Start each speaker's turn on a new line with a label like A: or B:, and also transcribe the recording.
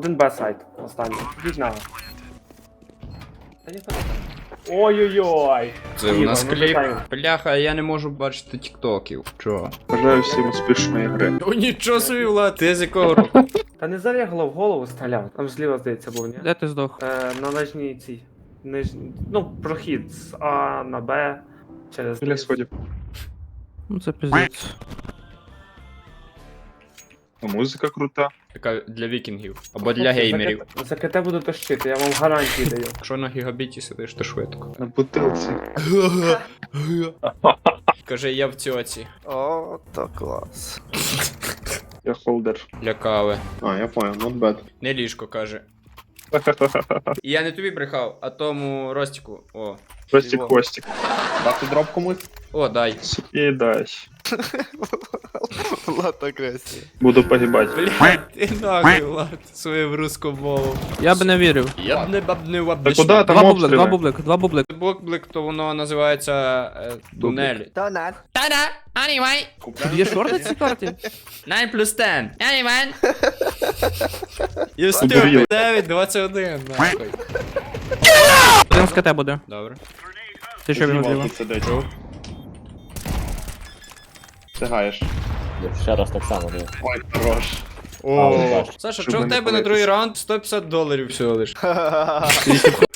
A: Один Б-сайт останній. Йдіть на. Ой-ой-ой.
B: Це у нас
A: Ігор, ну,
B: кліп.
A: вітаю.
B: Бляха, я не можу бачити тіктоків. Чого?
C: Бажаю всім успішної гри.
B: О, нічого собі, Влад, ти з якого року?
A: Та не зарягло в голову стріляв. Там зліва, здається, був, ні?
D: Де ти здох?
A: На нижній цій. Ну, прохід з А на Б. Через
C: Біля сходів.
D: Ну це пиздець.
C: Музика крута.
B: Така для вікінгів. Або для геймерів.
A: За КТ буду тащити, я вам гарантії даю.
B: Якщо на гігабіті сидиш, то швидко.
C: На бутилці.
B: Кажи, я в цьоці.
E: О, то клас.
C: Я холдер.
B: Для кави.
C: А, я понял, not bad.
B: Не ліжко, каже. І я не тобі брехав, а тому Ростіку. О.
C: Ростик Костик. Дати дроп комусь?
B: О, дай.
C: І дай.
E: Влад агресія.
C: Буду погибать.
B: Бля, ти нахуй, Влад, своїм русском мовом.
D: Я б не вірив.
B: Я б не бабнив
C: Та куди там
D: Два бублик,
C: обстріли?
D: два бублик.
B: Блок, то воно називається тунель.
E: Донат.
B: Та-да, anyway.
D: Тут є шорти на цій карті?
B: 9 плюс 10. Anyway. You
C: Обуріли.
B: stupid. 9, 21, нахуй.
D: Один з КТ буде.
B: Добре.
D: Ти що він зліва?
B: Чув?
C: Встигаєш.
F: Ще раз так само, диви.
C: Ой, хорош.
B: О. Саша,
C: Щоб
B: що в
C: не
B: тебе на
C: палитись.
B: другий раунд $150 всього лиш?